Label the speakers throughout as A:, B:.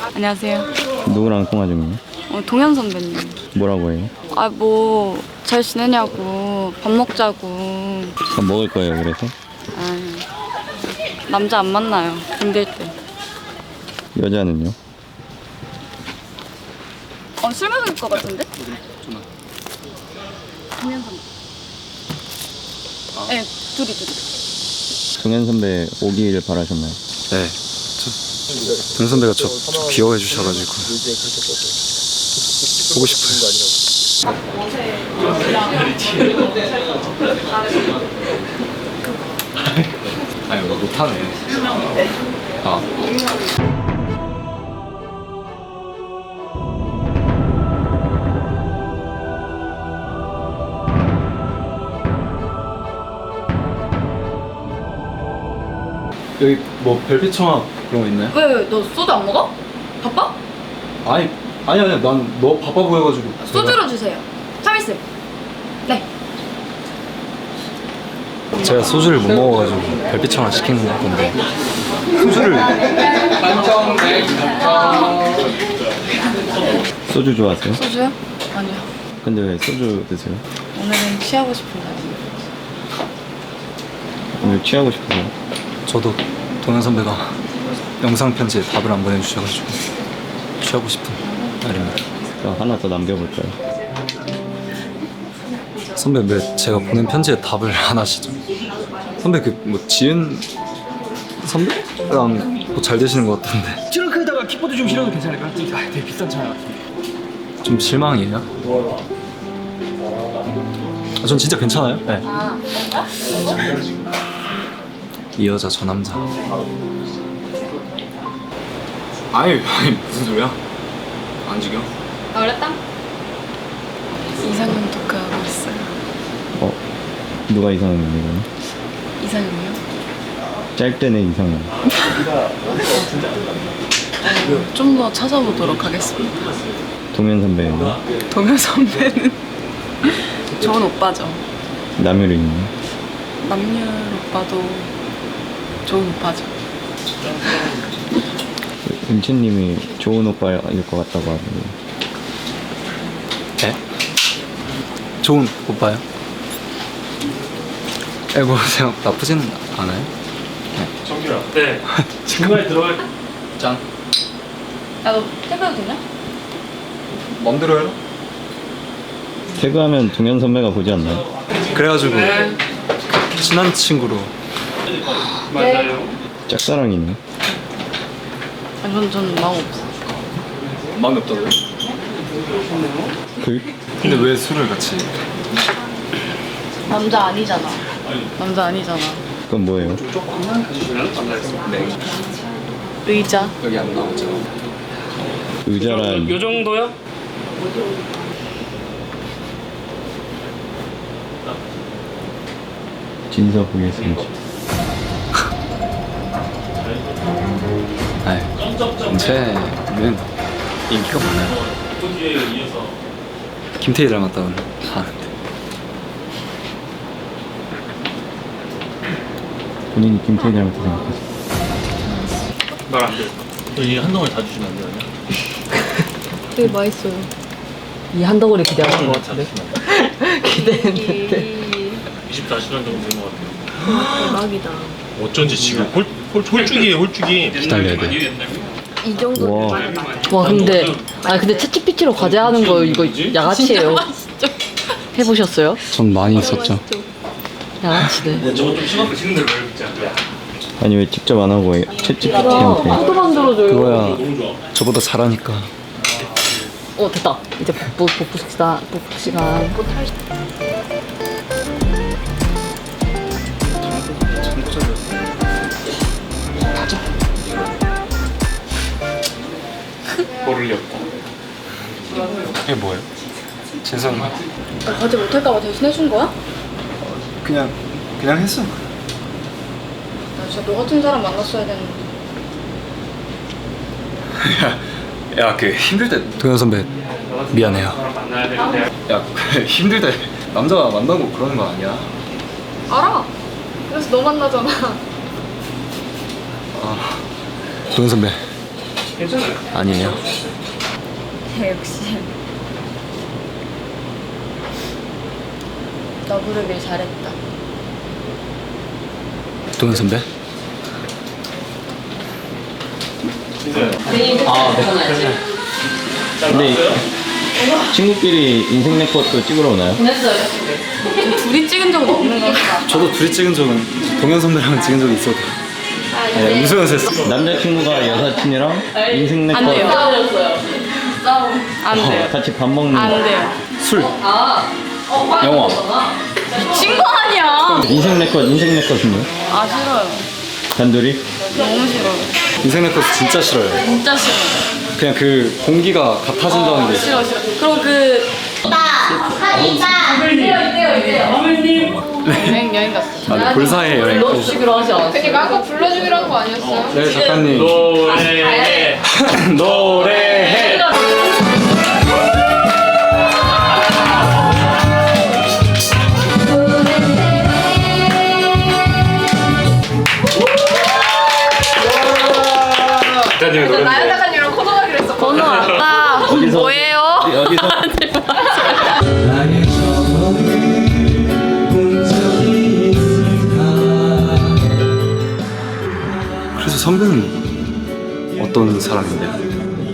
A: 안녕하세요.
B: 누구랑 통화 중이에요?
A: 동현 선배님.
B: 뭐라고 해요?
A: 아, 뭐 잘 지내냐고, 밥 먹자고.
B: 밥 먹을 거예요, 그래서?
A: 아, 남자 안 만나요. 힘들 때.
B: 여자는요?
A: 술 마실 것 같은데? 동현 선배. 네, 둘이.
B: 동현 선배 오기를 바라셨나요?
C: 네. 동 선배가 저 귀여워해 주셔가지고 보고 싶어요. 아니 못하네. 아. 여기 뭐 별빛 청아 그런 거 있나요?
A: 왜, 너 소주 안 먹어? 바빠?
C: 아니 난 너 바빠 보여가지고.
A: 소주로 주세요. 참이슬. 네.
C: 제가 소주를 못 먹어가지고 별빛 청아 시킨 건데 소주를
B: 소주 좋아하세요?
A: 소주요? 아니요.
B: 근데 왜 소주 드세요?
A: 오늘은 취하고 싶은 날.
B: 오늘 취하고 싶어요?
C: 저도 동현 선배가 영상 편지에 답을 안 보내주셔가지고 취하고 싶은 날입니다.
B: 그럼 하나 더 남겨볼까요?
C: 선배 왜 제가 보낸 편지에 답을 안 하시죠? 선배 그 뭐 지은 선배랑 뭐 잘 되시는 것 같던데
D: 트렁크에다가 킥보드 좀 실어도 괜찮을까? 되게 비싼 차 같은데.
C: 좀 실망이에요? 전 진짜 괜찮아요. 네. 이 여자 저 남자. 아니 무슨 소리야? 안 지겨?
A: 어렸다? 이상형 토크하고 있어요.
B: 누가 이상형이에요?
A: 이상형이요?
B: 짧게는 이상형.
A: 좀 더 찾아보도록 하겠습니다.
B: 동현 선배는요?
A: 동현 선배는 좋은 오빠죠.
B: 남유린이요?
A: 남률 오빠도 좋은 오빠죠.
B: 은채님이 좋은 오빠일 것 같다고 하는데.
C: 네? 좋은 오빠요? 뭐 생각 나쁘진 않아요.
D: 정규라. 네. 중간에 들어갈.
C: 짠.
A: 야, 너 태그해도 되냐?
C: 맘대로 해라.
B: 태그하면 동현 선배가 보지 않나요?
C: 그래가지고 친한 친구로.
D: 맞아요.
B: 짝사랑이네.
A: 아니, 전 마음 없어.
C: 마음이 없다고요?
B: 그
C: 근데 왜 술을 같이?
A: 남자 아니잖아. 남자 아니잖아.
B: 그건 뭐예요?
C: 네.
A: 의자.
C: 여기 안 나오죠.
B: 의자란
D: 요 정도요?
B: 진서 보겠습니다.
C: 아이, 은채는 인기가 많아요. 김태희 닮았다고 하는데.
B: 본인이 김태희 닮았다 생각하세요?
D: 말안 돼. 이 한동안 다 주시면 안 되나요?
A: 되게 맛있어요.
E: 이 한 덩어리 기대하는 것 같은데. 기대했는데.
D: 24시간 정도 된 것 같아요.
A: 대박이다.
D: 어쩐지 지금 홀쭉이에요, 홀쭉이.
C: 기다려야 돼.
A: 이 정도.
B: 와.
E: 와 근데 근데 챗GPT로 과제하는 거 이거 양아치예요. 해보셨어요?
C: 전 많이 있었죠.
E: 양아치네.
D: 저거 좀 심하게 식는 대로 왜 먹지?
B: 아니 왜 직접 안 하고 챗GPT한테
E: 또 만들어줘요.
C: 그거야
D: 너무 좋아.
C: 저보다 잘하니까.
E: 됐다. 이제 복부 시간. 복부 시간.
D: 모를 리 없다.
C: 이게 뭐예요? 진성.
A: 나 과제 못할까봐 대신 해준 거야?
C: 그냥 했어.
A: 나 진짜 너 같은 사람 만났어야 되는데.
C: 야, 그 힘들 때 동현 선배 미안해요.
D: 만나야 되는데.
C: 야, 그 힘들 때 남자 만나고 그러는 거 아니야?
A: 알아. 그래서 너 만나잖아.
C: 동현 선배
D: 괜찮아요.
C: 아니에요.
A: 역시. 너 부르길 잘했다.
C: 동현 선배?
B: 아, 네. 근데 친구끼리 인생 네컷도 찍으러 오나요?
A: 둘이 찍은 적은 없는 거 같아.
C: 저도 둘이 찍은 적은 동현 선배랑 찍은 적이 있어도 네, 웃으면서 했어.
B: 남자친구가 여사친이랑 인생 네컷
A: 안 돼요. 안 돼요.
B: 같이 밥 먹는
A: 안
B: 거.
A: 돼요.
C: 술, 영화.
A: 친구 아니야.
B: 인생 네컷 인생은요?
A: 아 싫어요.
B: 단둘이?
A: 너무 싫어요.
C: 인생 네컷 진짜 싫어요.
A: 진짜 싫어요.
C: 그냥 그 공기가 같아진다는 게
A: 싫어 싫어. 그리고 그 여행 갔어.
C: 아, 볼사의 여행.
E: 불러주기로 하지 않았어요?
F: 그니까 아까 불러주기로 한 거 아니었어요?
C: 네, 작가님.
D: 노래해.
C: 노래해. 작가님의 노래.
F: 나연 작가님이랑 코너하기로 했어.
A: 번호 왔다.
B: 어디서?
A: 뭐예요?
B: 어디서?
C: 그래서 선배는 어떤 사람인데요?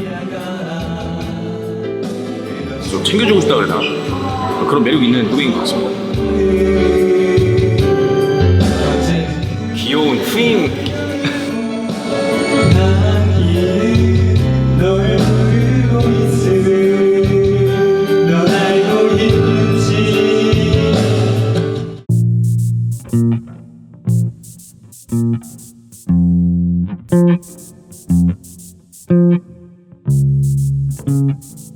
D: 좀 챙겨주고 싶다 그래나 그런 매력 있는 후배인 것 같습니다. 귀여운 후임.
G: Thank you.